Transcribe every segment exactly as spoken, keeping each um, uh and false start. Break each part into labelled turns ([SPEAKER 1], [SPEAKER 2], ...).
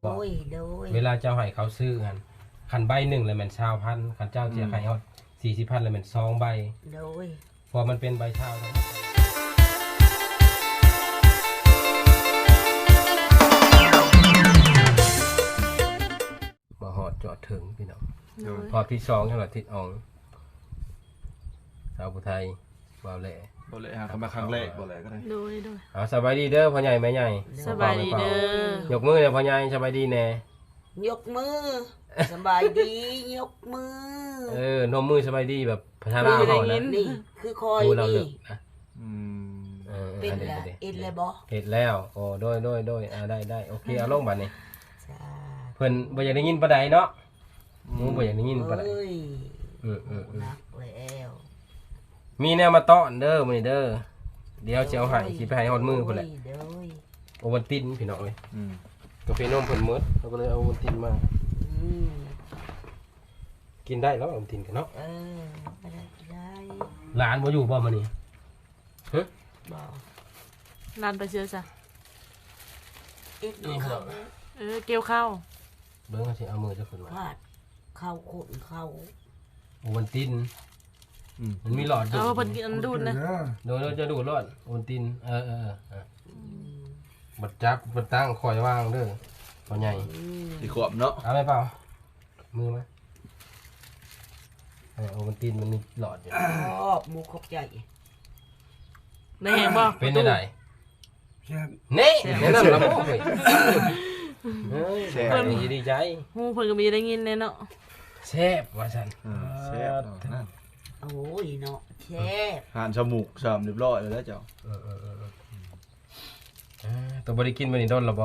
[SPEAKER 1] โดยโดยเวลาเจ้าให้เขาซื้อกันคันใบหนึ่งเลยมันชาวพันคันเจ้าเสียให้เขาสี่สิบพันเลยมันสองใบโดยพอมันเป็นใบชาวมาหอดจอดถึงพี่น้องพอที่สองจังหวัดทิศอองสาวผู้ไทยบ่าวแหล่
[SPEAKER 2] บ่เลยฮะเขามาครั้งแรกบ่เลยก็ได้
[SPEAKER 3] โดยโดย
[SPEAKER 1] เอาสบายดีเด้อพ่อใหญ่แม่ใหญ่
[SPEAKER 3] สบายดีเด้
[SPEAKER 1] อยกมือเลยพ่อใหญ่สบายดีแน่
[SPEAKER 4] ยกมือสบายดียกมือ
[SPEAKER 1] เออนมมือสบายดีแบบพัฒนาเขานะ
[SPEAKER 4] นี่คือคอยนี่
[SPEAKER 2] อืม
[SPEAKER 1] เออ
[SPEAKER 4] เป็นละเอ็ดเลยบ่
[SPEAKER 1] เฮ็ดแล้วโอ้โดยโดยโดยอ่าได้ได้โอเคเอาลงบัดนี้เพิ่นบ่อยากได้ยินปานใดเนาะมึงบ่อยากได้ยินปานใดเออๆ
[SPEAKER 4] นักแล้ว
[SPEAKER 1] มีแนวมาต้อนเด้อมื้อนี้เด้อเดี๋ยวสิเอาให้สิไปให้ฮอดมือพุ่นแหละโอวัลตินพี่น้องเอ้ยอืมกาแฟนมเพิ่นหมดเราก็เลยเอาโอวัลตินมาอืมกินได้แล้วโอวัลตินกันเนาะเออบ่ได้ได้หลานบ่อยู่บ่มื้อนี้ฮะ
[SPEAKER 3] บ่หลานไปเชื่อซะ
[SPEAKER 4] เอ็ดเข้า
[SPEAKER 3] เออเกี่ยวข้าว
[SPEAKER 1] เบิ่งสิเอามือจะขึ้นมา
[SPEAKER 4] พาดเข้าขนเข้า
[SPEAKER 1] โอวัลตินมันมีหลอด
[SPEAKER 3] ดูเอาเพิ่นกินดูดนะ
[SPEAKER 1] โดนจะดูดหลอดโอวัลตินเออๆๆบัดจับบัดตั้งคอยวางเด้อพ่อใหญ่
[SPEAKER 2] สิขวบเนาะ
[SPEAKER 1] เอาไหมเปล่ามือมั้ยเออโอวัลตินมันมีหลอดอยู่
[SPEAKER 4] ชอบหมูขบใหญ่
[SPEAKER 3] ได้แฮงบ่
[SPEAKER 1] เป็นได้นี่แนะนำละบ่เฮ้ยเฮ้ยเพิ่นดีใจ
[SPEAKER 3] ฮู้เพิ่นก็มีได้ยินแน่เนาะ
[SPEAKER 1] แซ่บว่าซั่น
[SPEAKER 2] แซ่บนั่น
[SPEAKER 4] โอ้ยเนาะแซ่บ
[SPEAKER 2] หานจมูกสามเรียบร้อยแล้วเจ้า
[SPEAKER 1] เออๆๆตัวบ่ได้กินมื้อนี้โดนละบ่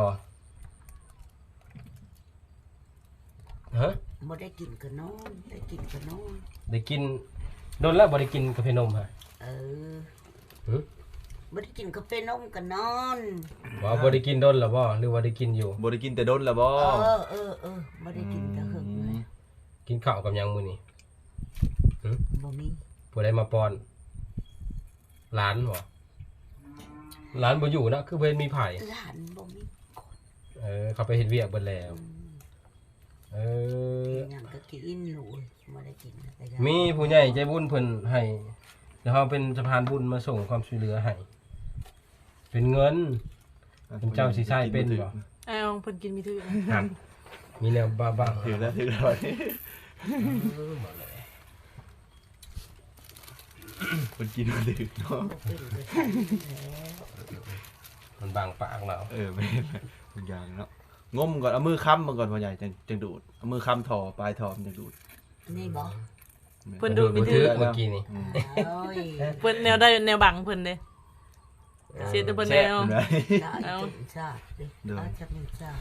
[SPEAKER 1] ฮะ
[SPEAKER 4] บ่ได้กินก็นอนได้กินก็นอน
[SPEAKER 1] ได้กินโดนแล้วบ่ได้กินกาแฟนมฮะ
[SPEAKER 4] เออหึบ่ได้กินกาแฟนมก็นอน
[SPEAKER 1] บ่บ่ได้กินโดนละบ่หรือว่าได้กินอยู่
[SPEAKER 2] บ่ได้กินแต่โดนละบ่
[SPEAKER 4] เออเออเออบ่ได้กินแต่หึงเลย
[SPEAKER 1] กินข้าวกับหยังมื้อนี้หึ
[SPEAKER 4] บ่มี
[SPEAKER 1] ผู้ใดมาป้อนหลานบ่หลานบ่อยู่นะคือเพิ่นมีไผ
[SPEAKER 4] หลานบ่มี
[SPEAKER 1] เออเขาไปเฮ็ดเวียกเบิดแล้วเออ
[SPEAKER 4] หยังก็กินหนูบ่ได้กิน
[SPEAKER 1] มีผู้ใหญ่ใจบุญเพิ่นให้แล้วเฮาเป็นสะพานบุญมาส่งความช่วยเหลือให้เป็นเงินเป็นเจ้าสิใช้เป็นบ่
[SPEAKER 3] เอ้าเพิ่นกินมีถือ
[SPEAKER 1] ครับมีแนวบ้าๆ
[SPEAKER 2] ถือแล้วถือแล้วเออบ่เลยเพิ่นกินบ่ถือเนาะ
[SPEAKER 1] มันบางปากเรา
[SPEAKER 2] เออแม่นทุกอย่างเนาะงมก่อนเอามือค้ำมันก่อนพ่อใหญ่จังจังดูดเอามือค้ำถ่อปลายถ่อมันจังดูด
[SPEAKER 4] นี่บ่
[SPEAKER 3] เพิ่นดูดมีถือ
[SPEAKER 1] เมื่อกี้นี่
[SPEAKER 4] โอ้ย
[SPEAKER 3] เพิ่นแนวได้แนวบังเพิ่นเด้เสียแต่เพิ่นแนว
[SPEAKER 4] เอาชาดิเอาจับมันชา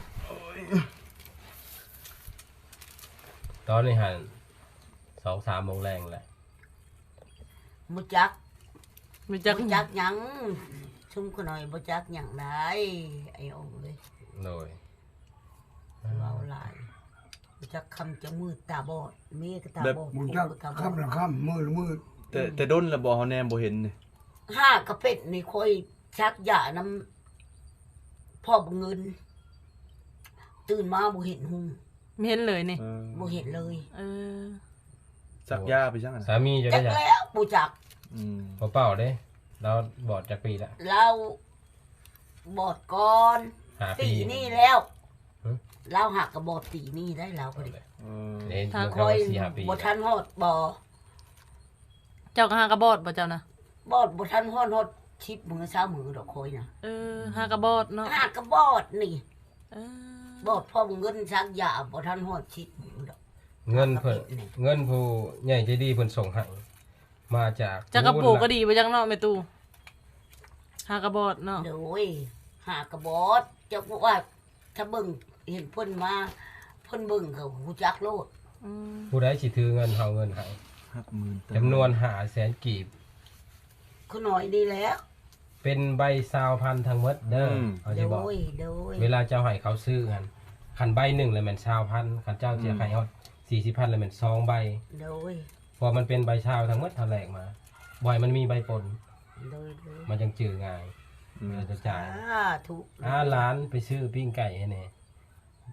[SPEAKER 1] ตอนนี้หัน สองสาม โมงแรงแหละ
[SPEAKER 4] บ่จัก
[SPEAKER 3] บ่จัก
[SPEAKER 4] บ่จักหยังชุ่มขน่อยบ่จักหยังได้ไอ้องเอ้ย
[SPEAKER 1] โดย
[SPEAKER 4] เว้าหลายบ่จักคำจะมืดตาบอดแม่ก็ตาบอด
[SPEAKER 5] บ่จักคำละคำมือละมือ
[SPEAKER 2] แต่แต่ดนละบ่เฮาแนมบ่เห็นนี่
[SPEAKER 4] ห้ากระเป็ดนี่ค่อยชักยาน้ำพ่อบ่เงินตื่นมาบ่เห็นหุ่ง
[SPEAKER 3] ไม่เห็นเลยนี่
[SPEAKER 4] บ่เห็นเลย
[SPEAKER 3] เออ
[SPEAKER 2] สักยาไปจัง
[SPEAKER 1] สามีจะได้
[SPEAKER 4] จักแล้วบ่จัก
[SPEAKER 1] อืมบ่เป้าเด้เราบอดจักปีแล้ว
[SPEAKER 4] เราบอดก่อนปีนี้แล้วเราหักกับบอดปีนี้ได้แล้วพอดีถ้าคอยบ่ทันฮอดบ่
[SPEAKER 3] เจ้าก็หากระบอดบ่เจ้านะ
[SPEAKER 4] บอดบ่ทันฮอดฮอดชิปมือซ้ามือดอกคอยน่ะ
[SPEAKER 3] เออหากระบอดเนาะ
[SPEAKER 4] หากระบอดนี่เออบอดพ่อเงินชักยาบ่ทันฮอดชิปมือดอก
[SPEAKER 1] เงินเพิ่นเงินผู้ใหญ่ใจดีเพิ่นส่งให้มาจาก
[SPEAKER 3] จากกระปุกก็ดีบ่จังเนาะแม่ตู่หากระบอดเนาะ
[SPEAKER 4] โดยหากระบอดจะบอกว่าถ้าเบิ่งเห็นเพิ่นมาเพิ่นเบิ่งเขาฮู้จักโลด
[SPEAKER 1] ผู้ใดสิถือเงินเฮาเงินให้จำนวนห้าแสนกีบ
[SPEAKER 4] คือน้อยดีแล้ว
[SPEAKER 1] เป็นใบซาวพันทั้งหมดเด้อเขาสิบอกเวลาเจ้าให้เขาซื้อกันคันใบหนึ่งเลยมันชาวพันคันเจ้าเสียให้เขาสี่สิบพันเลยมันสองใบ
[SPEAKER 4] โดย
[SPEAKER 1] พอมันเป็นใบชาวทั้งหมดเท่าแรกมาบ่อยมันมีใบปน
[SPEAKER 4] โดย
[SPEAKER 1] มันจังจืดง่ายเราจะจ่าย
[SPEAKER 4] ถูก
[SPEAKER 1] อ่าร้านไปซื้อปิ้งไก่ให้แน่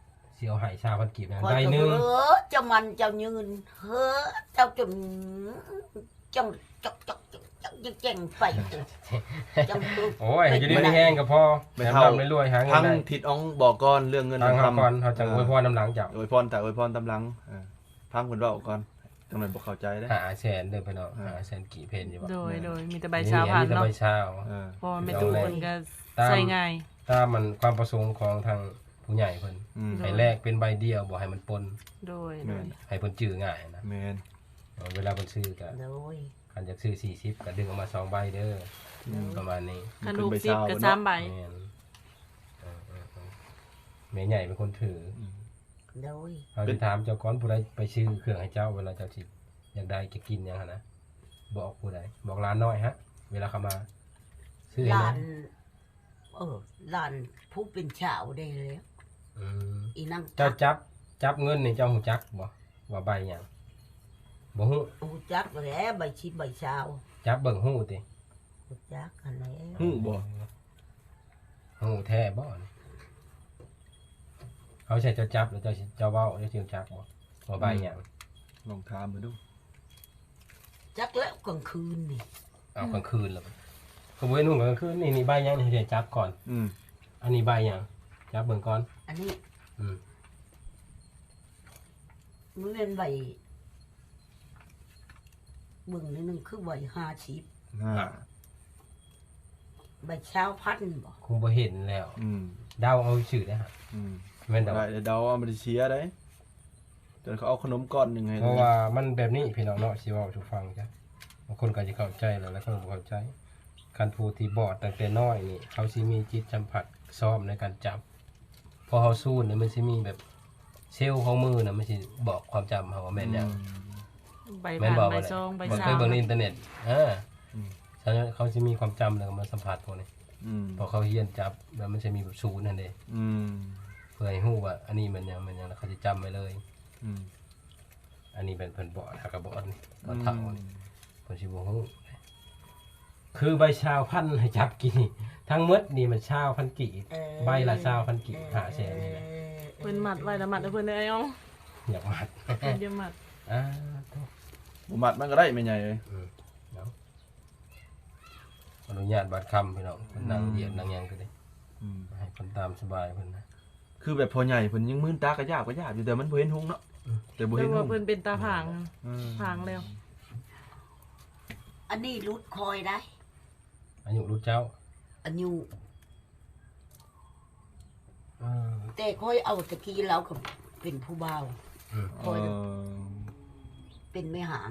[SPEAKER 1] สิเอาให้ชาวพันกีบนะ
[SPEAKER 4] คอย
[SPEAKER 1] ได้
[SPEAKER 4] ก็
[SPEAKER 1] หนึง
[SPEAKER 4] เออเจ้ามันเจ้ายืนเฮ้อเจ้าจนจังจักจักจักจักจักแจ้งไปจัง
[SPEAKER 1] โอ้ยให้อยู่ดีมีแห้งก็พอ
[SPEAKER 2] ไม่
[SPEAKER 1] แถม
[SPEAKER 2] เท่า
[SPEAKER 1] ร่ำรวยๆหาเงิ
[SPEAKER 2] ทั้
[SPEAKER 1] น
[SPEAKER 2] ง
[SPEAKER 1] ได้
[SPEAKER 2] ทิศอองบอกก่อนเรื่องเงิน
[SPEAKER 1] ทาง
[SPEAKER 2] เรื่อง
[SPEAKER 1] เฮา
[SPEAKER 2] คำ
[SPEAKER 1] ก่อนเฮาจังอวยพรน้ำหลังเจ้า
[SPEAKER 2] อวยพรแต่อวยพรตำหลังเออพังเพิ่นเว้าก่อนจังนั้นบ่เข้าใจเด้
[SPEAKER 1] หาแสนเด้อพี่น้องหาแสนกี่เพนอยู่บ่
[SPEAKER 3] โดยโดยมีแต่ใบชาพัน
[SPEAKER 1] อั
[SPEAKER 3] เนาะ
[SPEAKER 1] ใบชา
[SPEAKER 2] เออ
[SPEAKER 3] เพราะว่าแม่ตู้เพิ่นก็
[SPEAKER 1] ตาม
[SPEAKER 3] ใส่ง่าย
[SPEAKER 1] ตามมันความประสงค์ของทางผู้ใหญ่เพิ่น
[SPEAKER 2] อืม
[SPEAKER 1] ให้แลกเป็นใบเดียวบ่ให้มันปน
[SPEAKER 3] โดยโด
[SPEAKER 2] แม่
[SPEAKER 3] ย
[SPEAKER 2] น
[SPEAKER 1] ให้เพิ่นจื้อง่ายนะ
[SPEAKER 2] แม่น
[SPEAKER 1] เวลาเพิ่นซื้อก็
[SPEAKER 4] โดย
[SPEAKER 1] คันอยากซื้อสี่สิบก็ดึงออกมาสองใบเด้ออประมาณนี้
[SPEAKER 3] คันลูกสิบก็สามใบ
[SPEAKER 1] แม่นเออเออเออแม่ใหญ่เป็นคนถือ
[SPEAKER 4] โดย
[SPEAKER 1] เอาไปถามเจ้าก่อนผู้ใดไปซื้อเครื่องให้เจ้าเวลาเจ้าสิอยากได้จะกินหยังหั่นนะบอกผู้ใดบอกร้านน้อยฮะ เวลาเขามาซื้อ
[SPEAKER 4] ห
[SPEAKER 1] ให้
[SPEAKER 4] ลา
[SPEAKER 1] นะ
[SPEAKER 4] นเออหลานผู้เป็นชาวได้แล้ว
[SPEAKER 1] อืม
[SPEAKER 4] อีนั่ง
[SPEAKER 1] เจ้าจับจับเงินนี่เจ้าหูจักบ่ว่าใบหยังบ่ฮู้
[SPEAKER 4] หูจักแล้วใบชิบใบชาว
[SPEAKER 1] จับเบิ่งฮู้ติ
[SPEAKER 4] หูจักกันแล้ว
[SPEAKER 2] ฮู้บ่
[SPEAKER 1] ฮู้แท้บ่นี่เขาใช้เจ้าจับหรือเจ้าสิเจ้าเว้าเจ้าสิรู้จักบ่ว่าใบหยัง
[SPEAKER 2] ลองถามมาดู
[SPEAKER 4] จักแล้วกลางคืนนี่
[SPEAKER 1] เอากลางคืนแล้วก็บ่เห็นฮู้กลางคืนนี่นี่ใบหยังนี่ให้จับก่อน
[SPEAKER 2] อืม
[SPEAKER 1] อันนี้ใบหยังจับเบิ่งก่อน
[SPEAKER 4] อันนี้
[SPEAKER 1] อืม
[SPEAKER 4] มันเป็นใบเบิ่งนิดนึงคือใบห้าชิบ
[SPEAKER 2] ห้า
[SPEAKER 4] ใบชาวพันธุ์บ่
[SPEAKER 1] คงบ่เห็นแล้ว
[SPEAKER 2] อืม
[SPEAKER 1] เดาเอาชื่อได้ฮะ
[SPEAKER 2] อืม
[SPEAKER 1] แม่นดอก
[SPEAKER 2] ได้เดี๋ยวเดาเอามาเชียร์ได้จนเขาเอาขนมก้อนหนึงให้
[SPEAKER 1] เพราะว่ามันแบบนี้พี่น้องเนาะสิเว้าสู่ฟังจ้ะบางคนก็สิเข้าใจแล้วแล้วคนบ่เข้าใจคันผู้ที่บอดตั้งแต่น้อยนี่เขาสิมีจิตสัมผัสซ้อมในการจับพอเฮาสู้นี่มันสิมีแบบเซลล์ของมือน่ะมันสิบอกความจำเฮาว่าแม่นหยัง
[SPEAKER 3] ใบ
[SPEAKER 1] แม่น
[SPEAKER 3] ผ่าน
[SPEAKER 1] บอก
[SPEAKER 3] ใบ
[SPEAKER 1] ว่า
[SPEAKER 3] ซองใบ
[SPEAKER 1] บ่
[SPEAKER 3] ชา
[SPEAKER 1] เคยเบิ่งในอินเทอร์เน็ตเออ
[SPEAKER 2] อืม
[SPEAKER 1] ฉะนั้นเขาสิมีความจำแล้วก็มาสัมผัสพวกนี้
[SPEAKER 2] อืม
[SPEAKER 1] พอเขาเรียนจับแล้วมันจะมีแบบศูนย์นั่นเด้
[SPEAKER 2] อืม
[SPEAKER 1] เพื่อให้ฮู้ว่าอันนี้มันหยังมันหยังแล้วเขาจะจำไว้เลย
[SPEAKER 2] อืม
[SPEAKER 1] อันนี้เป็นเพิ่นบอดหากระบอดนี่บอดเฒ่านี่เพิ่นสิบ่ฮู้คือใบชาวพันธุ์ให้จับกินนี่ทั้งหมดนี่มันชาวพันกี่
[SPEAKER 4] เออ
[SPEAKER 1] ใบละชาวพันกี่หาแสนนี่แหละ
[SPEAKER 3] เพิ่นมัดไว้แล้วมัดให้เพิ่นได้ไอ้อ้อง
[SPEAKER 1] อยากมัด
[SPEAKER 3] เพิ่นจะมัด
[SPEAKER 1] อ่าโถ่
[SPEAKER 2] บ่มัดมันก็ได้ไม่ใหญ่เลย
[SPEAKER 1] อืมเดี๋ยวอนุญาตบัดคำพี่น้องเพิ่นนั่งเหยียดนั่งหยังก็ได้
[SPEAKER 2] อืม
[SPEAKER 1] ให้เพิ่นตามสบายเพิ่นนะ
[SPEAKER 2] คือแบบพอใหญ่เพิ่นยังมืนตากระยาบกระยาบอยู่แต่มันบ่เห็นหุงเนาะแต่บ่
[SPEAKER 3] แต่
[SPEAKER 2] เห็นหุ
[SPEAKER 3] ว่าง เพิ่นเป็นตาผาง
[SPEAKER 2] อืม
[SPEAKER 3] ผางแล้ว
[SPEAKER 4] อันนี้รุดคอยได้
[SPEAKER 1] อายุรุ่นเจ้า
[SPEAKER 4] อันยู
[SPEAKER 1] เออ
[SPEAKER 4] แต่คอยเอาตะกี้เราก็เป็นผู้บ่าว
[SPEAKER 1] อืม
[SPEAKER 4] คอย
[SPEAKER 2] เออ
[SPEAKER 4] เป็นไม่หาง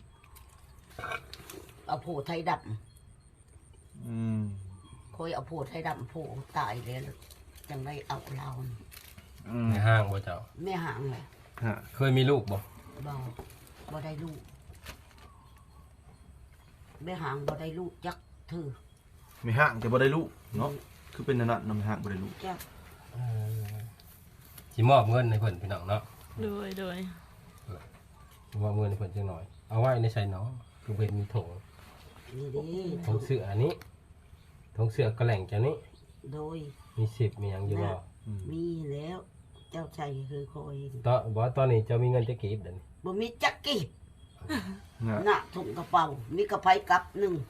[SPEAKER 4] เอาโผไทยด
[SPEAKER 2] อืม
[SPEAKER 4] ำคอยเอาโผไทยดำโผตายแล้วจังได้เอาเรา
[SPEAKER 2] อืม
[SPEAKER 1] ในห้างบ่เจ้า
[SPEAKER 4] ไม่หางเลย
[SPEAKER 2] ฮะ
[SPEAKER 1] เคยมีลูกบ่
[SPEAKER 4] บ่บ่ได้ลูกไม่หางบ่ได้ลูกจักเธอ
[SPEAKER 2] ไม่ห่างแต่บ่ได้ลูกเนาะคือเป็นนั่นน่ะนำห่างบ่ได้ลูก
[SPEAKER 4] จัก
[SPEAKER 1] เออสิมอบเงินให้เพิ่นพี่น้องเนาะ
[SPEAKER 3] โดยโดย
[SPEAKER 1] สิมอบเงินให้เพิ่นจังหน่อย เอาไว้ในใส่เนาะคือเพิ่นมีถุง
[SPEAKER 4] นี่ดิ
[SPEAKER 1] ถุงเสื้ออันนี้ถุงเสื้อกระแหล่งเจ้านี้
[SPEAKER 4] โดย
[SPEAKER 1] มีสิบมีหยังอยู่บ่
[SPEAKER 2] อืม
[SPEAKER 4] มีแล้วเจ้าชายคือคอย
[SPEAKER 1] ตอนบ่ตอนนี้เจ้ามีเงินจะเก็บเดี๋ยวนี้
[SPEAKER 4] บ่มีจักกีบ
[SPEAKER 2] นะ
[SPEAKER 4] หน้าถุงกระเป๋ามีกระไพกับหนึ่ง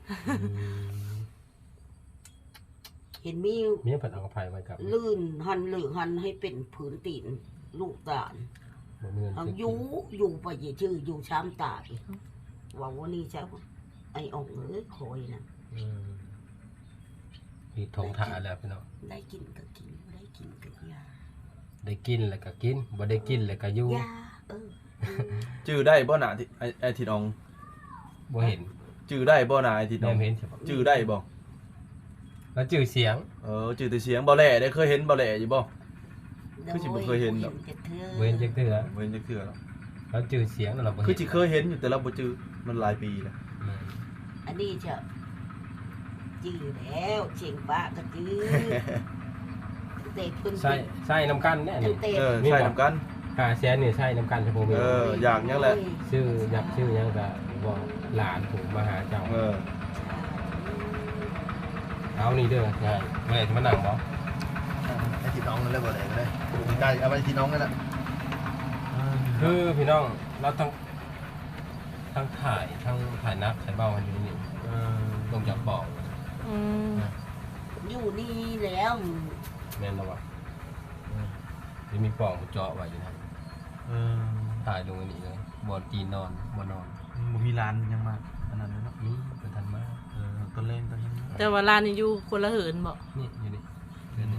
[SPEAKER 4] เห็นมี
[SPEAKER 1] มีเพิ่นเอากระไผไว้กับ
[SPEAKER 4] ลื่นหันหรือหันให้เป็นผืนตีนลูกตาล
[SPEAKER 1] บ่มีเงิน
[SPEAKER 4] เอา
[SPEAKER 1] จะ
[SPEAKER 4] อ
[SPEAKER 1] เก็
[SPEAKER 4] ยู่
[SPEAKER 1] บ
[SPEAKER 4] อยู่ไปอย่าชื่ออยู่ช้ำตายว่าวันนี้ใช่ไหมไอ้ออกเอ้ยคอยนะ
[SPEAKER 1] อืมมีถุงถ่าแล้วพี่น้อง
[SPEAKER 4] ได้กินก็กินบ่ได้กินก็ยา
[SPEAKER 1] ได้กินแล้วก็กินบ่ได้กินแล้วก็อยู่
[SPEAKER 4] ยาเออ
[SPEAKER 2] จื้อได้บ่น่ะที่ไอ้ไอ้ทิดออง
[SPEAKER 1] บ่เห็น
[SPEAKER 2] จื้อได้บ่น่ะไอ้ทิดอ
[SPEAKER 1] แม่
[SPEAKER 2] อง
[SPEAKER 1] เห็นใช่บ่
[SPEAKER 2] จื้อได้บ่
[SPEAKER 1] แล้วชื่อเสียง
[SPEAKER 2] เออจื้อแต่เสียงบ่แหล่ได้เคยเห็นบ่แหล่อยู่บ่ คือสิบ่เคยเห็นดอก
[SPEAKER 4] จะเธอ
[SPEAKER 1] เว้นจักเทื่อ
[SPEAKER 2] บ่เห็นจักเทื่อหรอก
[SPEAKER 1] แล้วชื่อเสียงนั่นเราบ่
[SPEAKER 2] คือ
[SPEAKER 1] เห็น
[SPEAKER 2] สิเคยเห็นอยู่แต่เราบ่จื้อมันหลายปีแล้ว
[SPEAKER 1] อืม
[SPEAKER 4] อันนี้จะจื้อแล้วเชียงป้าก็จื้อเตะพื้น
[SPEAKER 1] ใส่ใส่น้ำกันแน่นี่
[SPEAKER 4] เตะ
[SPEAKER 2] เออใช่นำกัน
[SPEAKER 1] หาแสนนี่ใส่น้ำกันเฉพาะมี
[SPEAKER 2] เอออยากยังแหละ
[SPEAKER 1] ชื่ออยากชื่อหยังก็บอกหลานผมมาหาเจ้า
[SPEAKER 2] เออ
[SPEAKER 1] เอานี่เด้อใช่เมื่อไหร่จะมานั่งบ่
[SPEAKER 2] ไอ้ที่น้องนั่นเลยบ่ได้ก็ได้ใกล้เอาไปที่น้องนั่นแหละ
[SPEAKER 1] คือพี่น้องเราทั้งทั้งถ่ายทั้งถ่ายนักถ่ายเบากันอยู่นี่ลงจากบ่อ
[SPEAKER 3] อืม
[SPEAKER 4] อยู่นี่แล้ว
[SPEAKER 1] แม่นแล้ววะจะมีปล่องเจาะไว้อยู่นะ
[SPEAKER 2] เออ
[SPEAKER 1] ถ่ายลงอันนี้เลยบอลตีนนอนบอนอน
[SPEAKER 2] บ่มีร้านยังมาอันนั้นเนาะ
[SPEAKER 1] นี่เป็นทันมาก
[SPEAKER 2] เออต้นเล่นต้นนี้
[SPEAKER 3] แต่ว่าร้านนี้อยู่คนละเหินบ่
[SPEAKER 1] นี่อยู่นี่เดือนนี้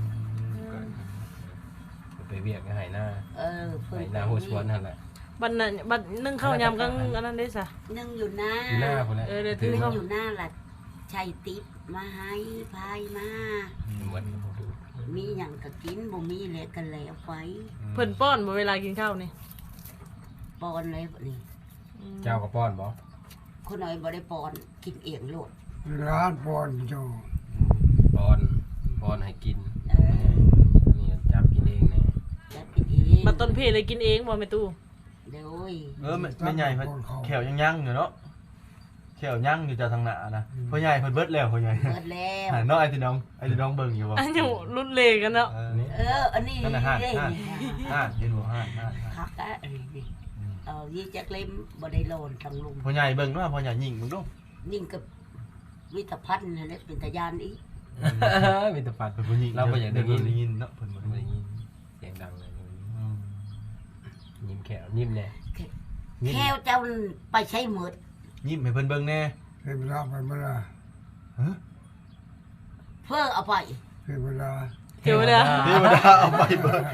[SPEAKER 1] ไปเวียกหายหน้า
[SPEAKER 4] เออเพิ่น
[SPEAKER 1] หายหน้าหัวชวนนั่นแหละ
[SPEAKER 3] บัดนั้นบัดนึ่งข้าวยำกันอันนั้นได้ซะ
[SPEAKER 4] นึ่งอยู่หน้า
[SPEAKER 1] อยู่หน้าคนละ
[SPEAKER 3] เออเดี๋ยว
[SPEAKER 1] ถือ
[SPEAKER 4] นึ่ง
[SPEAKER 1] เขา
[SPEAKER 4] อยู่หน้าล่ะชัยติ๊บมาให้พายมา
[SPEAKER 1] เหมือน
[SPEAKER 4] มีหยังก็กินบ่มีแล้วก็แล้วไป
[SPEAKER 3] เพิ่นป้อนบ่เวลากินข้าวนี่
[SPEAKER 4] ปอนเลยบัดนี้
[SPEAKER 3] อืม
[SPEAKER 1] เจ้ากับป้อนบ่
[SPEAKER 4] คนน้อยบ่ได้ปอนกินเองโลด
[SPEAKER 5] ร้านปอนเจ้า
[SPEAKER 1] ป้อนป้อนให้กิน
[SPEAKER 4] เออ
[SPEAKER 1] อันนี้จับกินเองเนี่ย
[SPEAKER 4] จัดกินเอง
[SPEAKER 3] บัดต้นเพเลยกินเองบ่แม่ตู้
[SPEAKER 4] เดี๋ยวโอ้ย
[SPEAKER 2] เออไม่ใหญ่เพิ่นแขวยังยั่งอยู่เนาะแขวยั่งอยู่จากทางหน้านะพ่อใหญ่เพิ่นเบิดแล้วพ่อใหญ่
[SPEAKER 4] เปิดแล้ว
[SPEAKER 2] หาเนาะไอ้ที่น้องไอ้ที่น้องเบิ่งอยู่บ่
[SPEAKER 3] อันยังรุ่นเลกันเนาะ
[SPEAKER 2] เออ
[SPEAKER 1] นี่
[SPEAKER 4] เอออันนี้
[SPEAKER 2] นั่นน่ะห้า
[SPEAKER 4] เด้
[SPEAKER 2] ห้า ห้าเห็นบ่ห้าห้าห้า
[SPEAKER 4] คักอะอันนี้ดิเอายี่จักเล่มบ่ได้โลนทั้งลุง
[SPEAKER 2] พ่อใหญ่เบิ่งเนาะพ่อใหญ่ยิงมึงดู
[SPEAKER 4] ยิ่งกับวิตาพันธ์นั่นแหละเป็นตาญาณอีก
[SPEAKER 1] มีแต่ปัด
[SPEAKER 2] เพิ่นบ่ยิง
[SPEAKER 1] เราก็อยากได้ยิน
[SPEAKER 2] ได้ยินเนาะเพิ่นบ่
[SPEAKER 1] ไม่
[SPEAKER 2] ได้
[SPEAKER 1] ได้
[SPEAKER 2] ยิน
[SPEAKER 1] ยินเสียงดังเลย
[SPEAKER 2] อืม
[SPEAKER 1] ยิ้มแขวยิ้มแน่ยิ้ม
[SPEAKER 4] แค่เจ้าไปใช้หมด
[SPEAKER 2] ยิ้มให้เพิ่นเบิ่งแน่
[SPEAKER 5] เทเวลาไปเมื่อไร
[SPEAKER 2] ฮะ
[SPEAKER 4] เพื่อเอาไป
[SPEAKER 5] เทเวลา
[SPEAKER 3] เทวดา
[SPEAKER 2] เทวดาเอาไปเบิ่ง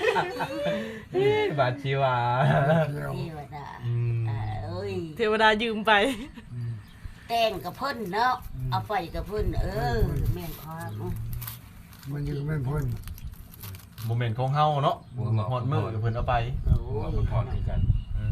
[SPEAKER 1] บาดชีวา
[SPEAKER 5] เที่ยว
[SPEAKER 4] เทวดา
[SPEAKER 2] อืม
[SPEAKER 4] อ่าเอ้ย
[SPEAKER 3] เทวดายืมไป
[SPEAKER 4] แต่งกับเพิ่นเนาะเอาไปกับเพิ่นเออแม่นความ
[SPEAKER 5] มันยังไม่พ้น
[SPEAKER 2] บ่แม่นของเฮาเนาะฮอดมื้อเพิ่นเอาไป
[SPEAKER 4] โอ้
[SPEAKER 1] หัวย มันพอดีกัน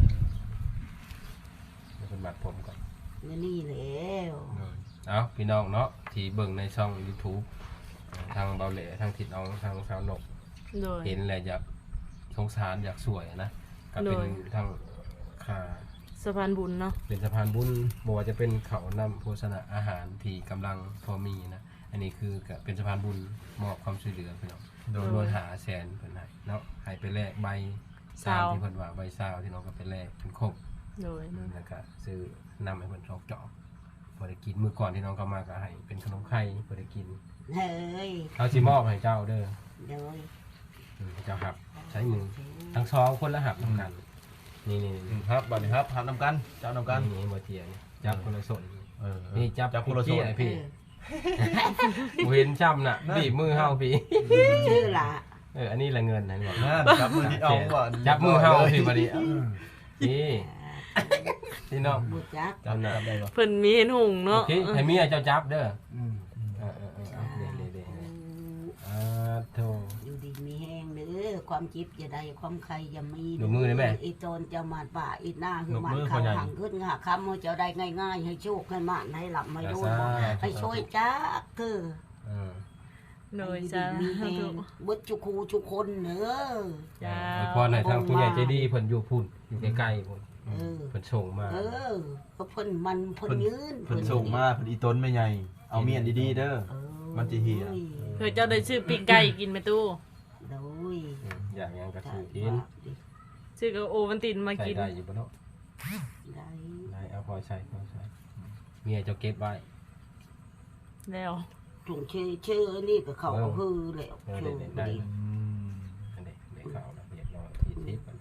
[SPEAKER 1] เป็นบัตรผมก่อน
[SPEAKER 4] นี่แล้ว
[SPEAKER 1] เอาพี่น้องเนาะที่เบิ่งในช่อง YouTube ทางเบาเหล่ทางทิดน้องทางสาวนก
[SPEAKER 3] โดย
[SPEAKER 1] เห็นแหละอยากสงสารอยากสวยนะก็เป็น
[SPEAKER 3] โดย
[SPEAKER 1] ทางค่า
[SPEAKER 3] สะพานบุญเนาะ
[SPEAKER 1] เป็นสะพานบุญบอกว่าจะเป็นเขานำโภชนะอาหารที่กำลังพอมีนะอันนี้คือก็เป็นสะพานบุญมอบความช่วยเหลือพี่น้องโดยโดยหาแสนเพิ่นให้เนาะให้ไปแลกใบซาวที่เพิ่นว่าใบซาวที่น้องก็ไปแลกเป็นครบ
[SPEAKER 3] โดย
[SPEAKER 1] แล้วก็ซื้อนำให้เพิ่นชอกจอกบ่ได้กินมื้อก่อนที่น้องก็มาก็ให้เป็นขนมไข่บ่ได้กิน
[SPEAKER 4] เฮ้ย
[SPEAKER 1] เขาสิมอบให้เจ้าเด้อ
[SPEAKER 4] เดี๋ยว
[SPEAKER 1] อืมเจ้าครับใช้มือทั้งสองคนละหับนํกันนี่นี่
[SPEAKER 2] อืมครับบัดนี้ครับหานำกันเจ้านำกัน
[SPEAKER 1] นี่บ่เทียนี่จับคนละส่วน
[SPEAKER 2] เออ
[SPEAKER 1] นี่จับ
[SPEAKER 2] จับคนละ
[SPEAKER 1] พี่
[SPEAKER 2] ส่วน
[SPEAKER 1] ไอ้พี่กูเห็นช้ำน่ะบีบมือเฮาพี่
[SPEAKER 4] ชื่อละ
[SPEAKER 1] เอออันนี้ละเงินนะนี่บอก
[SPEAKER 2] นั่นจับมือที่เอาก่อน
[SPEAKER 1] จับมือเฮาพี่บัดนี้
[SPEAKER 5] เออ
[SPEAKER 1] นี่พี่น้อง
[SPEAKER 4] บุจัก
[SPEAKER 1] จำหน้า
[SPEAKER 2] ได้บ่
[SPEAKER 3] เพิ่นมีเห็นหุง
[SPEAKER 1] โอ
[SPEAKER 3] เนาะ
[SPEAKER 1] เคให้เมียเจ้าจับเด้อ
[SPEAKER 5] อืม
[SPEAKER 1] เออเออเออเอาเด้เด้เด้อ่าโธ่
[SPEAKER 4] อยู่ดีมีแห้งเด้อความจิบอย่าได้ความใครอย่ามี
[SPEAKER 1] หนูมือได้ไหม
[SPEAKER 4] อีโจรจะมาป่าอีหน้าคือมันเขาหังขึ้นหาคำว่าจะได้ง่ายๆให้โชคให้มานให้หลับไม่รู้ให้ช่วยจักคือ
[SPEAKER 1] เออ
[SPEAKER 3] โดยจ้า
[SPEAKER 4] มีแห้งบุจุคูจุคนเนอ
[SPEAKER 3] จ้า
[SPEAKER 1] อวยพรให้ทางผู้ใหญ่ใจดีเพิ่นอยู่พุ่นอยู่ใกล้ๆพุ่น
[SPEAKER 4] เออ
[SPEAKER 1] เพิ่นส่งมา
[SPEAKER 4] เออเพราะเพิ่นมันเพิ่นยืน
[SPEAKER 2] เพิ่นส่งมาเพิ่นอีต้นไม่ใหญ่เอาเมียนดีๆเด้อ
[SPEAKER 4] เออ
[SPEAKER 2] มันจะเหี่ย
[SPEAKER 3] เพื่อเจ้าได้ชื่อปีกไก่กินแม่ตู้
[SPEAKER 4] โดย
[SPEAKER 1] อืมอย่างยังก็คือกิน
[SPEAKER 3] ชื่อก็โอวันตินมา
[SPEAKER 1] ใส่
[SPEAKER 3] กิน
[SPEAKER 1] ได้อยู่บ่เนาะ
[SPEAKER 4] ได้
[SPEAKER 1] ได้เอาพอใช้พอใช้เมียเจ้าเก็บไว้
[SPEAKER 3] แล้ว
[SPEAKER 4] ถุงชื่อชื่อนี่ก็เขาเอาฮือแล้ว
[SPEAKER 1] เออ
[SPEAKER 4] ชื่อ
[SPEAKER 1] เด็ดๆ
[SPEAKER 4] บ่
[SPEAKER 1] ได้
[SPEAKER 4] ดี
[SPEAKER 2] อืม
[SPEAKER 1] อันนี้เด็กเขาแล้วเรียบร้อยที่ทิพย์อันนี้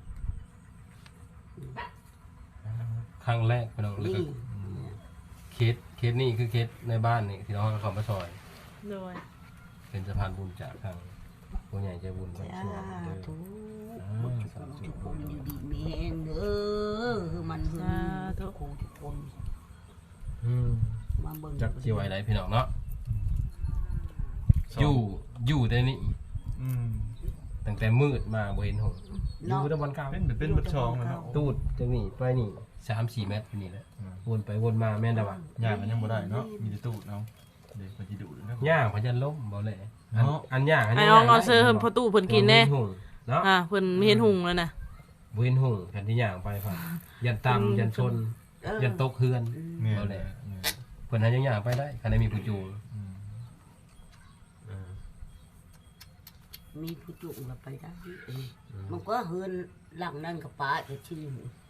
[SPEAKER 1] ครั้งแรกพี่น้องแล้วก็
[SPEAKER 4] นี่
[SPEAKER 1] เคสเคสนี่คือเคสในบ้านนี่ที่น้องเขามาซอย
[SPEAKER 3] โดย
[SPEAKER 1] เป็นสะพานบุญจากทางผู้ใหญ่ใจบุญคน
[SPEAKER 4] จ้า
[SPEAKER 1] ช่วยเด้อ
[SPEAKER 4] ทุก
[SPEAKER 1] อ่าสาธุ
[SPEAKER 4] ทุกคนอยู่ดีมีแห้งเด้อคือมันฮือทุกคนทุกคน
[SPEAKER 1] อืม
[SPEAKER 4] มาเบิ่ง
[SPEAKER 1] จักสิไว้ไหนพี่น้องเนาะอยู่อยู่แต่นี่
[SPEAKER 2] อืม
[SPEAKER 1] ตั้งแต่มืดมาบ่เห็นหงส์อยู่แตะวันกลาง
[SPEAKER 2] เป็นแบบเป็นบัดชองเลยเนาะ
[SPEAKER 1] ตูดจังนี่ไปนี่สามสี่เมตรนี่แหละวนไปวนมาแม่นดาว่า
[SPEAKER 2] ย่างมันยังบ่ได้เนาะมีแต่ตูดเนาะเด็กมันสิดุเนาะ
[SPEAKER 1] ย่างพยันล้มบ่เลยอัน
[SPEAKER 2] เนาะ
[SPEAKER 1] อันย่างอัน
[SPEAKER 3] ไอ้
[SPEAKER 1] นี้
[SPEAKER 3] อองเอาเสื้อเพิ่นพอตู้เพิ่นกินแน่
[SPEAKER 1] บ่เห็หงส์เนาะ
[SPEAKER 3] อ่าเพิ่นมีเห็นหุงแล้วนะ
[SPEAKER 1] บ่เห็นหงส์แผ่นที่ย่างไปฟังยันตำยันชน
[SPEAKER 4] เออ
[SPEAKER 1] ยันตกเฮือน
[SPEAKER 2] แม่น
[SPEAKER 1] บ่
[SPEAKER 2] แห
[SPEAKER 1] เล
[SPEAKER 2] ละ
[SPEAKER 1] ยเพิ่นให้ยังย่างไปได้คันได้มีผู้จูง
[SPEAKER 2] อืม
[SPEAKER 1] อืม
[SPEAKER 4] มีผู้จุ่มก็ไปได้เออมันก็เฮือนหลังนั่นกับป้าจะชื่อ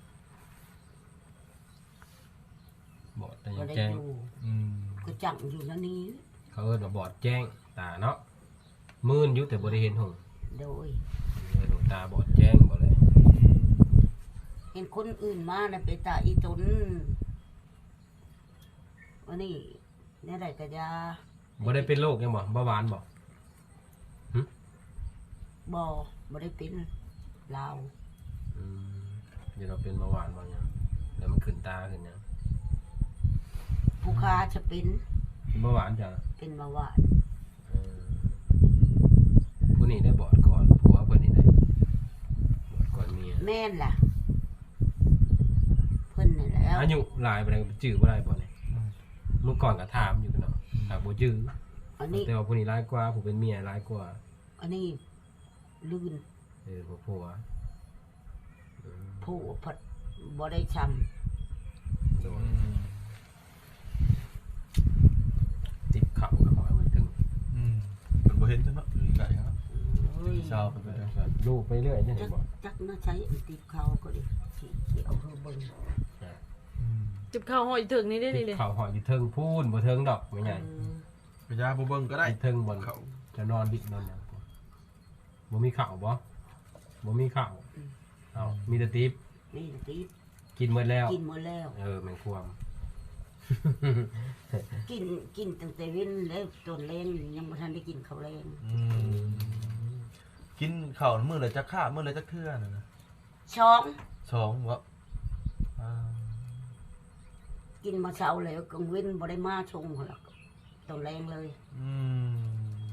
[SPEAKER 1] บอดแต่
[SPEAKER 4] ก็
[SPEAKER 1] ยัง
[SPEAKER 4] ได้
[SPEAKER 1] แจ้ง
[SPEAKER 4] อยู่
[SPEAKER 2] อืม
[SPEAKER 4] ก็จังอยู่นั่นนี้
[SPEAKER 1] เขาเอิ้นว่าบอดแจ้งตาเนาะมื่นอยู่แต่บ่ได้เห็นหง
[SPEAKER 4] โดย
[SPEAKER 1] หลวงตาบอดแจ้งบ่เลย
[SPEAKER 4] เห็นคนอื่นมานะไปตาอีตนวันนี้เนี่ยได้กระยา
[SPEAKER 1] บ่ได้เป็นโรคยังบ่เบาหวานบ่
[SPEAKER 4] บ่บ่ได้เป็นลาว
[SPEAKER 1] อืมเดี๋ยวเราเป็นเบาหวานบ่ยังแล้วมันขึ้นตาขึ้นยัง
[SPEAKER 4] ผู้ค้าจะเป็น
[SPEAKER 1] เป็นเบาหวานจ้ะ
[SPEAKER 4] เป็นมาว่า
[SPEAKER 1] เออผู้นี้ได้บอดก่อนผัวเพิ่นนี่ได้บอดก่อนเมีย
[SPEAKER 4] แม่นล่ะเพิ่นนี่แหล้ว
[SPEAKER 1] อายุหลายไปแล้วจื้อบ่ได้บ่เนี่ยเมื่อก่อนก็ถามอยู่เนาะหากบ่จื้อ
[SPEAKER 4] อันนี้
[SPEAKER 1] แต่ว่าผู้นี้หลายกว่าผู้เป็นเมียหลายกว่า
[SPEAKER 4] อันนี้ลื่น
[SPEAKER 1] เออผัวผัวเออ
[SPEAKER 4] ผู้ผัดบ่ได้ช
[SPEAKER 1] โดนติดเข่าแล้วหอยมันถึง
[SPEAKER 2] อืมเป็นบ่เห็นจังเนาะอยู่ไกลครับ
[SPEAKER 4] ำเฮ้ย
[SPEAKER 2] เช้าเป็นไปได้
[SPEAKER 1] ลูกไปเรื่อยจะเห็
[SPEAKER 4] จั
[SPEAKER 1] น
[SPEAKER 4] ก
[SPEAKER 1] บ่
[SPEAKER 4] จักน่าใช้อันติดเขาก็ดิสีเขียวเธอเบิ่ง
[SPEAKER 2] อืม
[SPEAKER 3] จิบข้าวหอยถึงนี่ได้
[SPEAKER 1] ติ
[SPEAKER 3] ดี
[SPEAKER 1] ด
[SPEAKER 3] เลย
[SPEAKER 1] เข่าหอยอยู่เทิงพูนบ่เทิงดอกไม่ใหญ่
[SPEAKER 4] เออ
[SPEAKER 2] พยาบ่เบิ่งก็ได้
[SPEAKER 1] เทิงบน
[SPEAKER 2] เขา
[SPEAKER 1] จะนอนบิดนอนหยังบ่มีข้าวบ่บ่มีข้าวเอามีแต่ติ๊บ
[SPEAKER 4] นี่ติด
[SPEAKER 1] กินหมดแล้ว
[SPEAKER 4] กินหมดแล้ว
[SPEAKER 1] เออแม่งความ
[SPEAKER 4] กินกินตั้งแต่เว้นแล้วตอนแรงยังบ่ทันได้กินข้าวแรง
[SPEAKER 2] อืมกินข้าวมื้อละจักค่ามื้อละจักเทื่อน่ะนะ
[SPEAKER 4] ช้อง
[SPEAKER 2] สองบ่อ่า
[SPEAKER 4] กินมาเช้าแล้วกลางเว้นบ่ได้มาชงหรอกตอนแรงเลย
[SPEAKER 2] อืม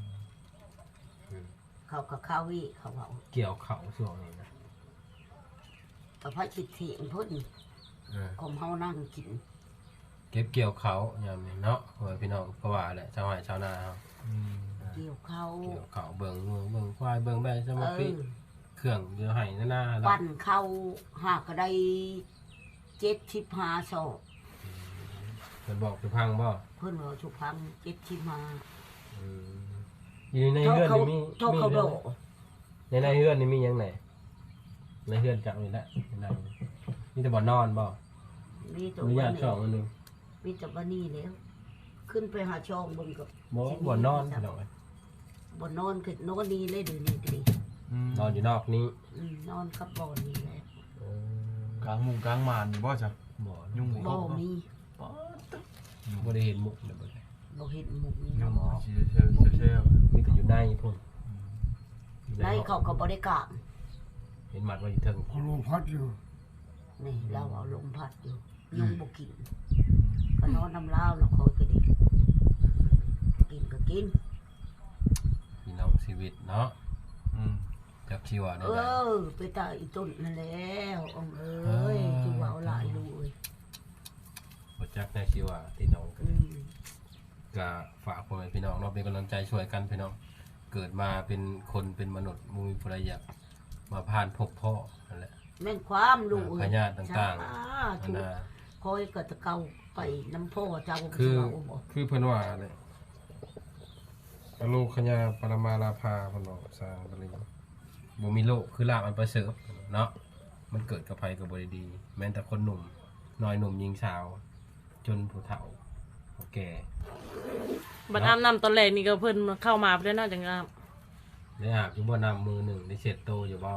[SPEAKER 4] เขากับข้าววิเขาเอา
[SPEAKER 1] เกี่ยวเข่าช่วงนี้นะ
[SPEAKER 4] กับพระชิตเถียงพุ่น
[SPEAKER 1] เออ
[SPEAKER 4] คมเฮานั่งกิน
[SPEAKER 1] เก็บเกี่ยวเขายามนี้เนาะโอ้ยพี่น้องก็ว่าแหละชาวไร่ชาวนาเฮา
[SPEAKER 2] อืม
[SPEAKER 4] เกี่ยวข้าว
[SPEAKER 1] เกี่ยวเขาเบิ่งงัวเบิ่งควายเบิ่งแบะส
[SPEAKER 4] เอ
[SPEAKER 1] มาธิ
[SPEAKER 4] อ
[SPEAKER 1] เครื่องเดี๋ยวให้หน้าๆแล้ว
[SPEAKER 4] ปั่นข้าวหากก็ได้เจ็ดชิบหาศอก
[SPEAKER 1] เพิ่นบอกคือพังบ่
[SPEAKER 4] เพิ่นว่าชุพังเจ็ดชิบหา
[SPEAKER 1] อืมอยู่ใน
[SPEAKER 4] เท่า
[SPEAKER 1] เฮือน
[SPEAKER 4] เขา
[SPEAKER 1] นี่มี
[SPEAKER 4] เท่า
[SPEAKER 1] มี
[SPEAKER 4] เขา
[SPEAKER 1] เรื่
[SPEAKER 4] โด
[SPEAKER 1] องไหนในในเฮือนนี่มีหยังไหนในเฮือนจักนี่แหละในมีแต่บ่อนอนบ่
[SPEAKER 4] มีตัว
[SPEAKER 1] อนุญาต
[SPEAKER 4] นี้
[SPEAKER 1] ช่องอันหนึง
[SPEAKER 4] มีแต่บ้านนี้แล้ว ขึ้นไปหาช่องเบนกับ
[SPEAKER 1] บ่บ่อนอนพี่น้องเอ้ย
[SPEAKER 4] บ่นอนคือนอนนี่เลยเดี๋ยวนี้ก็ดี
[SPEAKER 2] อืม
[SPEAKER 1] นอนอยู่นอกนี้
[SPEAKER 4] อืมนอนกับบ่อนี่แหละ
[SPEAKER 1] เออก
[SPEAKER 2] ลางมุงกลางมานนี่บ่จ้ะ
[SPEAKER 1] บ่
[SPEAKER 2] ยุ่ง
[SPEAKER 4] บ่มี
[SPEAKER 2] ป๊อด
[SPEAKER 1] บ่ได้เห็นมุกเลยบ่ได้
[SPEAKER 4] บ่เห็นหมุกนี่
[SPEAKER 2] ยุ่ง
[SPEAKER 4] บ่
[SPEAKER 2] เชี่ยวเชี่ยวเชี่ยว
[SPEAKER 1] มีแต่อยู่ในพุ่น
[SPEAKER 4] ในเขาก็บ่ได้กลาง
[SPEAKER 1] เห็นหมัดว่าอยู่เทิง
[SPEAKER 5] เขาลมพัดอยู่
[SPEAKER 4] นี่เราเอาลมพัดอยู่ยุงบ่กินก็นอนน้ำลาวแล้วคอยก็ดีกินก็กิน
[SPEAKER 1] พี่น้องชีวิตเนาะ
[SPEAKER 2] อืม
[SPEAKER 1] จักชีว่าได้
[SPEAKER 4] เอ
[SPEAKER 1] ได
[SPEAKER 4] อ ไปตายอีต้นนั่นแล้วองเอ้ยจูว่าหลายลูกเอ้ย
[SPEAKER 1] บ่จักได้ชีว่าพี่น้องกัน
[SPEAKER 4] อืม
[SPEAKER 1] ก็ฝากพ่อแม่พี่น้องเนาะเป็นกำลังใจช่วยกันพี่น้องเกิดมาเป็นคนเป็นมนุษย์มุมีภรรยากมาผ่านพบพ่อนั่นแหละ
[SPEAKER 4] แม่นความลูกเอ้
[SPEAKER 1] พญาติต่างๆ
[SPEAKER 4] ๆ
[SPEAKER 1] อัน
[SPEAKER 4] ถูก
[SPEAKER 1] น่ะ
[SPEAKER 4] คอยก็จะเก่าไปน้ำพ่อเจ้า
[SPEAKER 1] คือ
[SPEAKER 4] เจ้าบ่
[SPEAKER 1] คือเพิ่นว่าเลยอโลคญาปรมาลาภาเพิ่นบอกสร้างบริบ่มีโลกคือลาบอันประเสริฐเนาะมันเกิดกับภัยกับบ่ได้ดี แม้แต่คนหนุ่มน้อยหนุ่มหญิงสาว จนผู้เฒ่าผู้แก่
[SPEAKER 3] บัดอาบน้ำตอนแรกนี่ก็เพิ่นเข้ามาเพิ่นน่าจะงาม
[SPEAKER 1] ได้อาบอยู่บ่น้ำมือหนึ่งได้เช็ดโตวอยู่บ่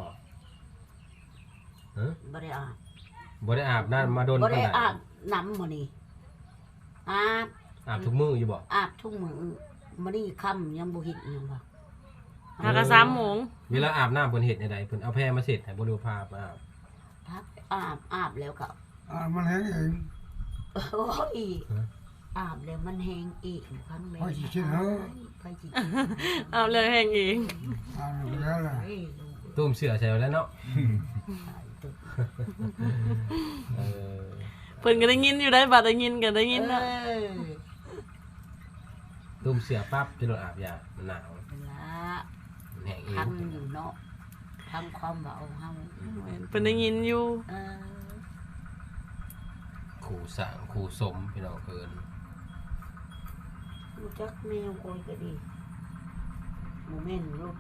[SPEAKER 1] ฮะ
[SPEAKER 4] บ่ได้อาบ
[SPEAKER 1] บ่ได้อาบน้ำมาโดน
[SPEAKER 4] บ่
[SPEAKER 1] ปาน
[SPEAKER 4] ได้
[SPEAKER 1] ใด
[SPEAKER 4] อาบน้ำมื้อนี้อาบ
[SPEAKER 1] อาบทุกมื้ออยู่บ่
[SPEAKER 4] อาบทุกมื้อมื้อนี้ค่ำยังบ่เห็นหยังว่า
[SPEAKER 3] หากะสามโมง
[SPEAKER 1] เวลาอาบน้ำเพิ่นเฮ็ดจังไดเพิ่นเอาแพรมาเสร็จให้บ่รู้พาไปอาบ
[SPEAKER 4] พักอาบอาบแล้วก็
[SPEAKER 5] อ่ามันแห้งเอง
[SPEAKER 4] โอ้ยอาบแล้วมันแห้งอีกครั้งแม่
[SPEAKER 5] พอสิคิดเถอะ
[SPEAKER 4] ไปจิต
[SPEAKER 3] เอาเรื่องแห้งเอง
[SPEAKER 5] อ่าไปแล้วล่ะ
[SPEAKER 4] เฮ้ยลูก
[SPEAKER 1] ตุ้มเสื้อใส่ไว้แล้วเนาะ
[SPEAKER 4] ตายตึก
[SPEAKER 1] เออ
[SPEAKER 3] เพิ่นก็ได้ยินอยู่ได้บัดได้ยินก็ได้ยินนะ
[SPEAKER 4] เอ้ย
[SPEAKER 1] ตุ้มเสื้อปั๊บจะโดนอาบยามันหนาว
[SPEAKER 4] ละ
[SPEAKER 1] มันแห้งเอง
[SPEAKER 4] ทำอยู่เนาะทำความเบาเฮา
[SPEAKER 3] เพิ่นได้ยินอยู่
[SPEAKER 4] เออ
[SPEAKER 1] ขู่สร้างขู่สมพี่น้องเพิ่น
[SPEAKER 4] รู้จักแมวคอยก็ดีโมเมนต์ลูก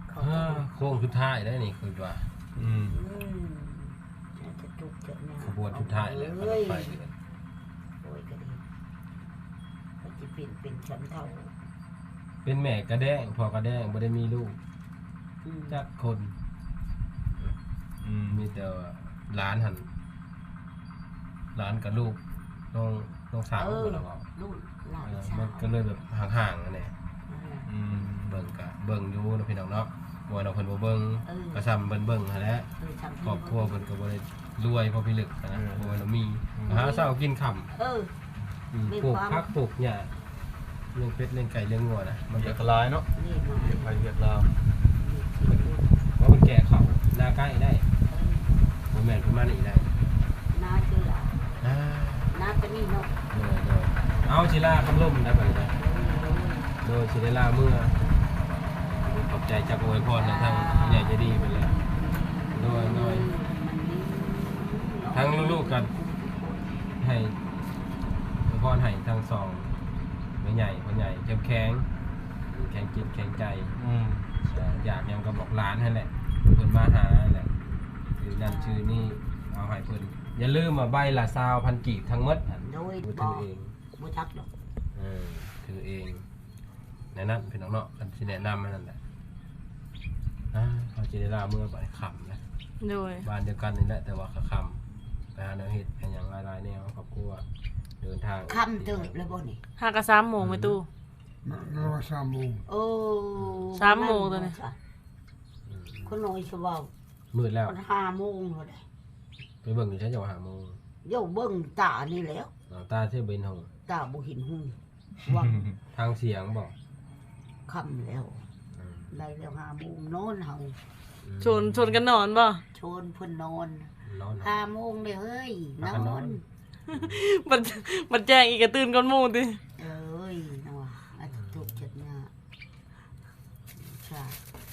[SPEAKER 4] เขา
[SPEAKER 1] อ่าโค้งสุดท้ายแล้วนี่คือว่า
[SPEAKER 2] อืม
[SPEAKER 4] อืมจะจุกจะเนี่ย
[SPEAKER 1] ขบวนสุดท้ายแล้ว
[SPEAKER 4] เอ้ย
[SPEAKER 1] ไปเลย
[SPEAKER 4] โอ้ยก็ดีเขาจะเป็นเป็นชั้นเท่า
[SPEAKER 1] เป็นแม่กระแดงพ่อกระแดงบ่ได้มีลูก
[SPEAKER 4] อืม
[SPEAKER 1] จักคน
[SPEAKER 2] อืม
[SPEAKER 1] มีแต่ว่าหลานหันหลานกับลูกน้องน้องสาว
[SPEAKER 4] เออ
[SPEAKER 1] คนละเว้า
[SPEAKER 4] ลูกหลาน
[SPEAKER 1] เออ
[SPEAKER 4] สาว
[SPEAKER 1] มันก็เลยแบบห่างๆนั่นแหละ
[SPEAKER 2] อืม
[SPEAKER 1] เบิ่งกะเบิ่งอยู่เนาะพี่น้องเนาะบ่ว่าเราเพิ่นบ่เบิ่ง
[SPEAKER 4] เออ
[SPEAKER 1] ก็ซ้ำเบิ่นเบิ่งหั่นแหละ
[SPEAKER 4] เออทำ
[SPEAKER 1] ครอบครัวเพิ่นก็บ่ได้รวยพอพิลึกนะบ่ว่าเรามีหาเช้ากินค่ำ
[SPEAKER 4] เออ
[SPEAKER 1] อืม
[SPEAKER 4] มี
[SPEAKER 1] ปลูก
[SPEAKER 4] ความ
[SPEAKER 1] ผักปลูกหญ้าเลี้ยงเป็ดเลี้ยงไก่เลี้ยงงัวนะมัน
[SPEAKER 2] เรี
[SPEAKER 1] ก็
[SPEAKER 2] ยกลายเนาะ
[SPEAKER 4] นี่มา
[SPEAKER 2] เรียกไปเรียกลาว
[SPEAKER 1] ว่ามันแก่เขาหน้าใกล้ได้บ่แม่นเพิ่นมานี่ได้
[SPEAKER 4] น้าเชื่อ
[SPEAKER 1] อ่า
[SPEAKER 4] น้าก็นี่เนาะ
[SPEAKER 1] โดยโดยเอาศิลาคำล่มได้ไปได้โดยศิลาเมื่อขอบใจจากอวยพรทางผู้ใหญ่ใจดีไปเลยโดยโดยทั้งลูกๆกันให้อวยพรให้ทั้งสองผู้ใหญ่ผู้ใหญ่เข้มแข็งแข็งจิตแข็งใจ
[SPEAKER 2] อืม
[SPEAKER 1] อยากยังก็บอกร้านให้แหละเพิ่นมาหาแหละชื่อนั่นชื่อนี่เอาให้เพิ่นอย่าลืมมาใบละซาวพันกีบทั้งหมดหั่น
[SPEAKER 4] โดย
[SPEAKER 1] ถื
[SPEAKER 4] บ่
[SPEAKER 1] อเอง
[SPEAKER 4] บ่จักดอก
[SPEAKER 1] เออถือเองแนะนำพี่น้องเนาะกันสิแนะนำนั่นแหละอ่าเขาจะได้ลาเมื่อบ่ายค่ำนะ
[SPEAKER 3] โดย
[SPEAKER 1] บ้านเดียวกันนี่แหละแต่ว่าค่ำไปหาแนวเฮ็ดกันอย่างหลายๆแนวครอบครัวเดินทาง
[SPEAKER 4] ค่ำเติบแล้วบ่นี่
[SPEAKER 3] ห้ากะสามโมงแม่ตู้
[SPEAKER 5] เราสามโมง
[SPEAKER 4] โอ้
[SPEAKER 3] สามโมงตัวนี้
[SPEAKER 1] อืม
[SPEAKER 4] คนน้อยสิเว้า
[SPEAKER 1] มืดแล้ว
[SPEAKER 4] มันห้าโมงแล้วได้
[SPEAKER 1] ไปเบิ่งอยู่ใช้จังหวะหาโมง
[SPEAKER 4] โย่เบิ่งตานี่แล้ว
[SPEAKER 1] เอาตาเที่ยวเบนหง
[SPEAKER 4] ตาบ่เห็นหูวัง
[SPEAKER 1] ทางเสียงบอก
[SPEAKER 4] ค่ำแล้ว
[SPEAKER 1] อืม
[SPEAKER 4] ได้แล้วห้าโมงนอนเฮา
[SPEAKER 3] ชวนชวนกันนอนบ่
[SPEAKER 4] ชวนเพิ่นนอน
[SPEAKER 1] นอน
[SPEAKER 4] ห้าโมงเลยเฮ้ยน
[SPEAKER 1] พากันน
[SPEAKER 4] อ
[SPEAKER 1] อน น
[SPEAKER 3] มันมันแจ้งอีกกระตื่นก่อนหมู่ติ
[SPEAKER 4] เอ้ยนะว่าอาจจะถูกจัดเนี่ยใช่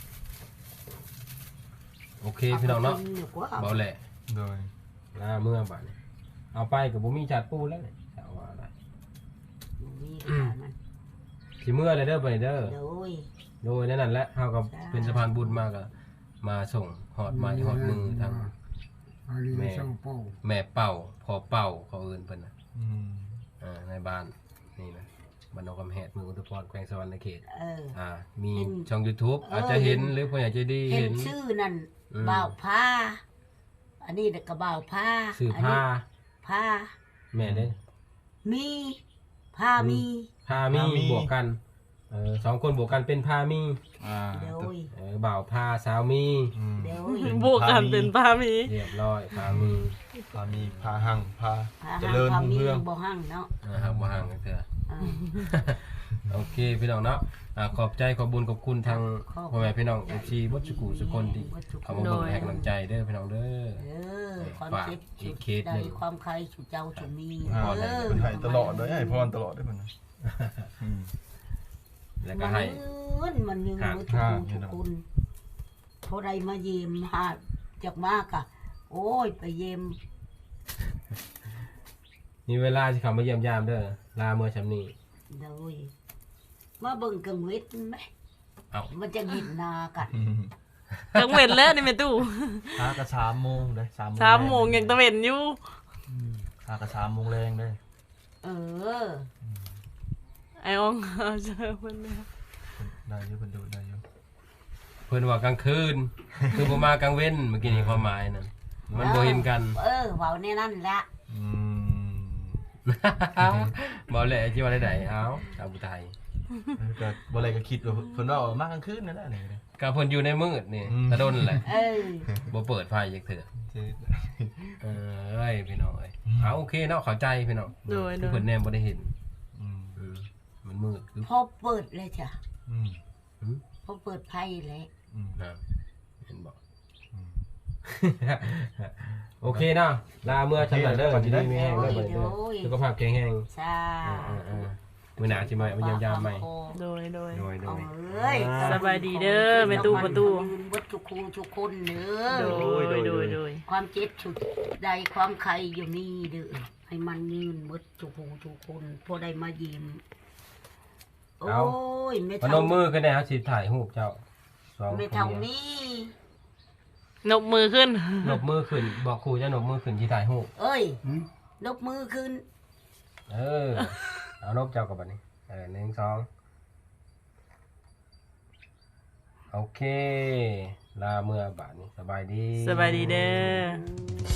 [SPEAKER 1] โอเคพี่น้องเนาะ
[SPEAKER 4] กิดีกว่า
[SPEAKER 1] เบาแหละ
[SPEAKER 2] โดย
[SPEAKER 1] ลาเมื่อบ่ายนี้เอาไปกับบุมีจัดปูแล้วเนี่ยเอาว่าอะไร
[SPEAKER 4] มีขนาดนั้น
[SPEAKER 1] สิเมื่อเลยเด้อไปเด้อ
[SPEAKER 4] โดย
[SPEAKER 1] โดยนั่นแหละเฮากับ
[SPEAKER 4] ใช่
[SPEAKER 1] เป็นสะพานบุญมากอะมาส่งหอดไม้หอดมือทาง
[SPEAKER 5] อันนี้สองเป้า
[SPEAKER 1] แม่เป่าพอเป่าเขาเอิ้นเพิ่นน่ะ
[SPEAKER 2] อืม
[SPEAKER 1] อ่าในบ้านนี่นะบ้านนอกกำแหดเมืองอุทุพรแขวงสะวรรณเขต
[SPEAKER 4] เออ
[SPEAKER 1] อ่ามี
[SPEAKER 4] เห็น
[SPEAKER 1] ช่อง YouTube
[SPEAKER 4] เออ
[SPEAKER 1] อาจจะเห็นหรือผู้ใหญ่ใจดี
[SPEAKER 4] เห็
[SPEAKER 1] เห็
[SPEAKER 4] น
[SPEAKER 1] น
[SPEAKER 4] ชื่อนั่น
[SPEAKER 1] อืม
[SPEAKER 4] บ่าวผ้า อันนี้ก็บ่าวผ้า
[SPEAKER 1] ซื้อ
[SPEAKER 4] อัน
[SPEAKER 1] ผ้า
[SPEAKER 4] นี้ผ้า
[SPEAKER 1] แม่เด้
[SPEAKER 4] มีผ้ามี
[SPEAKER 1] ผ้ามีบวกกันเออสองคนบวกกันเป็นผ้ามี
[SPEAKER 2] อ่า
[SPEAKER 4] โดย
[SPEAKER 1] เออบ่าวผ้าสาวมี
[SPEAKER 2] อืม
[SPEAKER 4] โดย
[SPEAKER 2] เป็น
[SPEAKER 3] บวกกันเป็นพามี
[SPEAKER 1] เรียบร้อยผ้ามี
[SPEAKER 2] พามีพาหั่งพา
[SPEAKER 4] ผ้า
[SPEAKER 2] เจ
[SPEAKER 4] ห้าง
[SPEAKER 2] ริญ
[SPEAKER 4] ผ้า
[SPEAKER 2] รุ่ง
[SPEAKER 4] มี
[SPEAKER 2] เรือง
[SPEAKER 4] บ่ห้างเนาะ
[SPEAKER 1] นะครับมาห่างกันเถอะ
[SPEAKER 4] เออ
[SPEAKER 1] โอเคพี่น้องเนาะอ่าขอบใจขอบบุญขอบคุณทาง
[SPEAKER 4] ขอบคุณ
[SPEAKER 1] พ่อแม่พี่น้องเอฟซีวัดสุกุสุคนที่เขามาบอกให้กำลังใจเด้อพี่น้องเด้อ
[SPEAKER 4] เออความ
[SPEAKER 1] ฝาก
[SPEAKER 4] เจ็บ
[SPEAKER 1] อี
[SPEAKER 4] สุ
[SPEAKER 1] ก
[SPEAKER 4] ด
[SPEAKER 1] เคส
[SPEAKER 4] ใจ
[SPEAKER 1] หนึ่ง
[SPEAKER 4] ความใครสุดเจ้าสุดมี
[SPEAKER 2] อ่า
[SPEAKER 4] เออ
[SPEAKER 2] เป็นให้ตลอดเลยให้พรตลอดได้เพิ่นนะอืม
[SPEAKER 1] แล้วก็ให้
[SPEAKER 4] มันมันยัง
[SPEAKER 1] หา
[SPEAKER 4] มือทุก
[SPEAKER 2] ห้า
[SPEAKER 4] คนทุกคนเท่าไรมาเยี่ยมหาจากมากอะโอ้ยไปเยี่ยม
[SPEAKER 1] มีเวลาที่เขามาเยี่ยมยามเด้อลาเมื่อชำนี้
[SPEAKER 4] โดยมาเบิ่งกังเวทไหม
[SPEAKER 1] เอา
[SPEAKER 4] มันจะเห็นหนากัน
[SPEAKER 2] อืม
[SPEAKER 3] กังเว้นแล้วนี่แม่ตู้
[SPEAKER 2] หากระสามโมงได้สามโมง
[SPEAKER 3] สามโมงยังตะเว้นอยู่
[SPEAKER 2] อืมหากระสามโมงแรงได้
[SPEAKER 4] เออ
[SPEAKER 3] ไอ้อองเอาเจอเพิ่นแล้ว
[SPEAKER 2] ได้อยู่เพิ่นดูได้อยู่
[SPEAKER 1] เพิ่นว่ากลางคืน คือบ่มากลางเว้นเมื่อกี้นี้ความหมายนั่นมันบ่เห็นกัน
[SPEAKER 4] เออเบาในนั่นแหละ
[SPEAKER 2] อืม
[SPEAKER 1] บ่แหละที่ว่าได้ๆเอาชาวผู้ไทย
[SPEAKER 2] เออก็บ่อะไรก็คิดว่าเพิ่นว่าเอามากลางคืนนั่นแหละนี่ก็ได้
[SPEAKER 1] ก็เพิ่นอยู่ในมืดนี่
[SPEAKER 2] อืม
[SPEAKER 1] ตะดนแหละ
[SPEAKER 4] เออ
[SPEAKER 1] บ่เปิดไฟจักเทื่อ
[SPEAKER 2] เจ๊
[SPEAKER 1] เอ้ยพี่น้องเอ้ยเอาโอเคเนาะเข้าใจพี่น้อง
[SPEAKER 3] โดยโด
[SPEAKER 1] คือย เพิ่นแนมบ่ได้เห็น
[SPEAKER 2] อืม
[SPEAKER 1] อืมมันมืดคือ
[SPEAKER 4] พอเปิดเลยจ้ะ
[SPEAKER 2] อืม
[SPEAKER 1] หืม
[SPEAKER 4] พอเปิดไพ่เลย
[SPEAKER 2] อืม
[SPEAKER 1] นะเห็นบ่
[SPEAKER 2] อืม
[SPEAKER 1] โอเคเนาะลาเมื่อชำนาญเด้อที่นี่มีแห้งเด้อบัดนี้เด้อ
[SPEAKER 4] โอ้ย
[SPEAKER 1] สุขภาพแข็งแรง
[SPEAKER 4] ใช่
[SPEAKER 1] อ่าๆๆมื้อหน้าสิมาเอาเยี่ยมยามใหม่
[SPEAKER 3] โดยโดย
[SPEAKER 1] โดยโด
[SPEAKER 4] เอา
[SPEAKER 1] ย
[SPEAKER 4] เอ้ย
[SPEAKER 3] สบายดีเด้อแม่ตู้ประตู
[SPEAKER 4] วัดทุกคูทุกคนเด้
[SPEAKER 3] โด
[SPEAKER 4] อย
[SPEAKER 3] โดยโดยโดย
[SPEAKER 4] ความเจ็บสุดใดความใครอยู่นี่เด้อให้มันยืนหมดทุกคูทุกคนพอได้มายิ้มโอ้ยไม่
[SPEAKER 1] พนมมือกันแน่ครับสิถ่ายรูปเจ้าสอง
[SPEAKER 4] ไม่
[SPEAKER 1] คน
[SPEAKER 4] เท่า
[SPEAKER 1] เมีย
[SPEAKER 4] นี้
[SPEAKER 3] นบมือขึ้น
[SPEAKER 1] นบมือขึ้นบอกครูจะนบมือขึ้นที่ถ่ายหูป
[SPEAKER 4] เอ้ย
[SPEAKER 5] หืม
[SPEAKER 4] นกมือขึ้น
[SPEAKER 1] เออ เอานบเจ้ากับบัดนี้เออหนึ่งสองโอเค ลาเมื่อบาทนี้สบายดี
[SPEAKER 3] สบายดีเด้อ